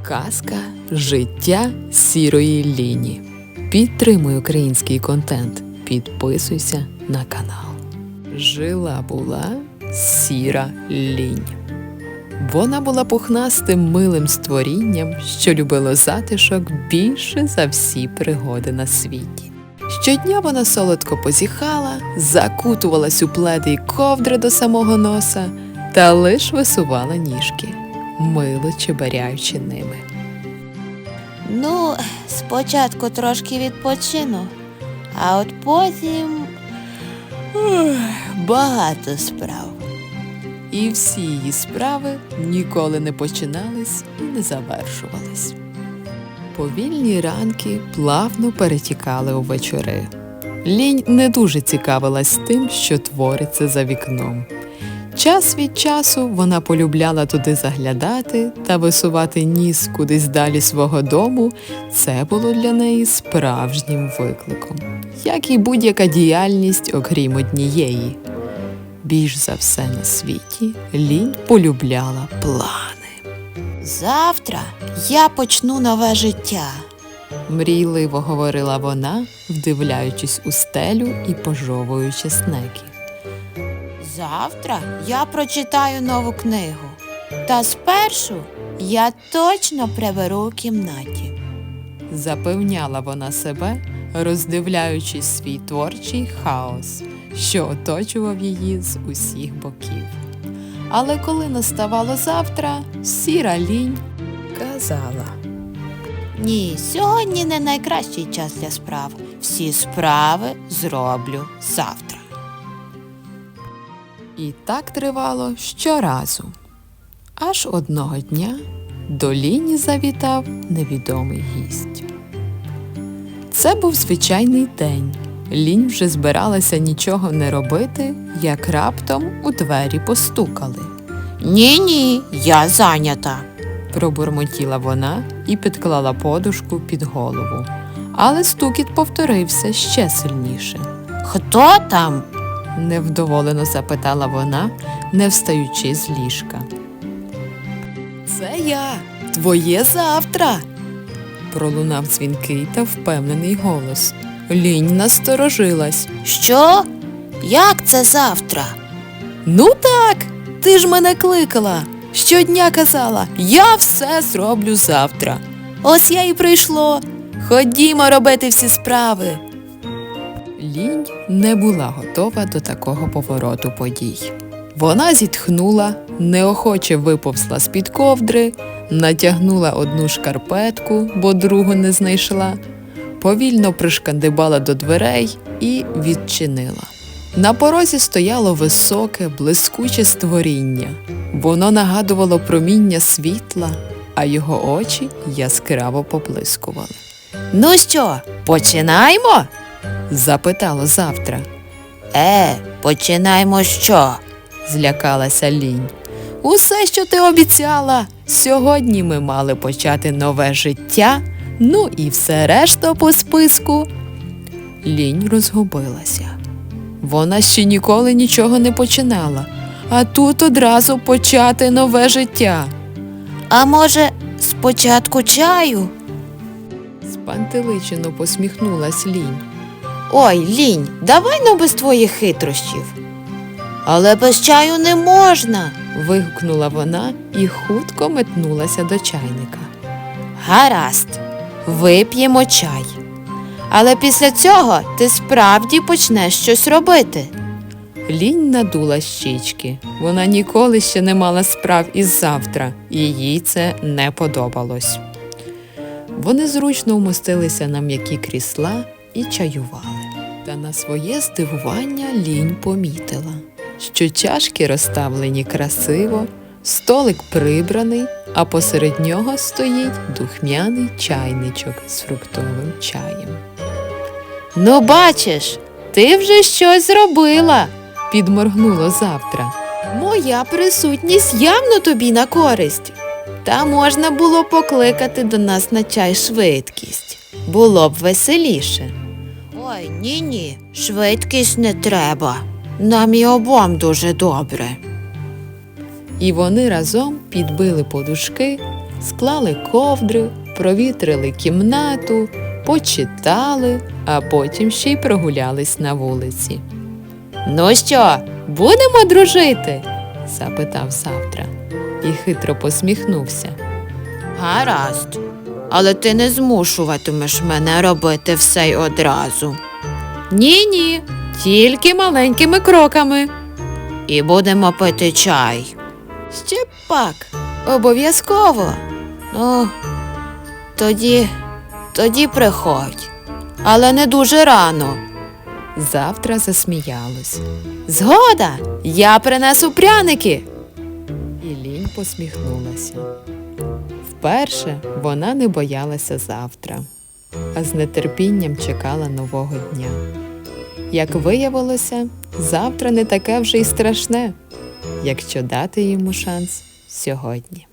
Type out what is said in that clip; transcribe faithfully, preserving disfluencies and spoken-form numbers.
Казка «Життя сірої Ліні». Підтримуй український контент. Підписуйся на канал. Жила-була сіра лінь. Вона була пухнастим милим створінням, що любило затишок більше за всі пригоди на світі. Щодня вона солодко позіхала, закутувалась у пледи й ковдри до самого носа та лиш висувала ніжки, мило чеберяючи ними. Ну, спочатку трошки відпочину, а от потім ух, багато справ. І всі її справи ніколи не починались і не завершувались. Повільні ранки плавно перетікали у вечори. Лінь не дуже цікавилась тим, що твориться за вікном. Час від часу вона полюбляла туди заглядати та висувати ніс кудись далі свого дому. Це було для неї справжнім викликом, як і будь-яка діяльність, окрім однієї. Більш за все на світі Лінь полюбляла плани. Завтра я почну нове життя. Мрійливо говорила вона, вдивляючись у стелю і пожовуючи снеки. Завтра я прочитаю нову книгу. Та спершу я точно приберу у кімнаті. Запевняла вона себе, роздивляючись свій творчий хаос, що оточував її з усіх боків. Але коли наставало завтра, сіра Лінь казала: Ні, сьогодні не найкращий час для справ. Всі справи зроблю завтра. І так тривало щоразу. Аж одного дня до Ліні завітав невідомий гість. Це був звичайний день. Лінь вже збиралася нічого не робити, як раптом у двері постукали. Ні-ні, я зайнята. Пробурмотіла вона і підклала подушку під голову. Але стукіт повторився ще сильніше. Хто там? Невдоволено запитала вона, не встаючи з ліжка. Це я, твоє завтра, пролунав дзвінкий та впевнений голос. Лінь насторожилась. Що? Як це завтра? Ну так, ти ж мене кликала. Щодня казала, я все зроблю завтра. Ось я і прийшло. Ходімо робити всі справи. Лінь не була готова до такого повороту подій. Вона зітхнула, неохоче виповзла з-під ковдри, натягнула одну шкарпетку, бо другу не знайшла, повільно пришкандибала до дверей і відчинила. На порозі стояло високе, блискуче створіння. Воно нагадувало проміння світла, а його очі яскраво поблискували. Ну що, починаємо? Запитало завтра. Е, починаємо що? Злякалася Лінь. Усе, що ти обіцяла. Сьогодні ми мали почати нове життя, ну і все решта по списку. Лінь розгубилася. Вона ще ніколи нічого не починала, а тут одразу почати нове життя. А може, спочатку чаю? Спантеличено посміхнулась Лінь. Ой, Лінь, давай ну без твоїх хитрощів. Але без чаю не можна. Вигукнула вона і хутко метнулася до чайника. Гаразд, вип'ємо чай. Але після цього ти справді почнеш щось робити. Лінь надула щічки. Вона ніколи ще не мала справ із завтра, і їй це не подобалось. Вони зручно вмостилися на м'які крісла і чаювали. Та на своє здивування Лінь помітила, що чашки розставлені красиво, столик прибраний, а посеред нього стоїть духмяний чайничок з фруктовим чаєм. Ну, бачиш, ти вже щось зробила, підморгнуло завтра. Моя присутність явно тобі на користь. Та можна було покликати до нас на чай швидкість. Було б веселіше. Ой, ні-ні, швидкість не треба. Нам і обом дуже добре. І вони разом підбили подушки, склали ковдри, провітрили кімнату, почитали, а потім ще й прогулялись на вулиці. «Ну що, будемо дружити?» – запитав Завтра і хитро посміхнувся. «Гаразд, але ти не змушуватимеш мене робити все й одразу». «Ні-ні, тільки маленькими кроками». «І будемо пити чай». «Ще пак, обов'язково». «Ну, тоді, тоді приходь, але не дуже рано». Завтра засміялась. «Згода, я принесу пряники!» І Лінь посміхнулася. Вперше вона не боялася завтра, а з нетерпінням чекала нового дня. Як виявилося, завтра не таке вже й страшне, якщо дати йому шанс сьогодні.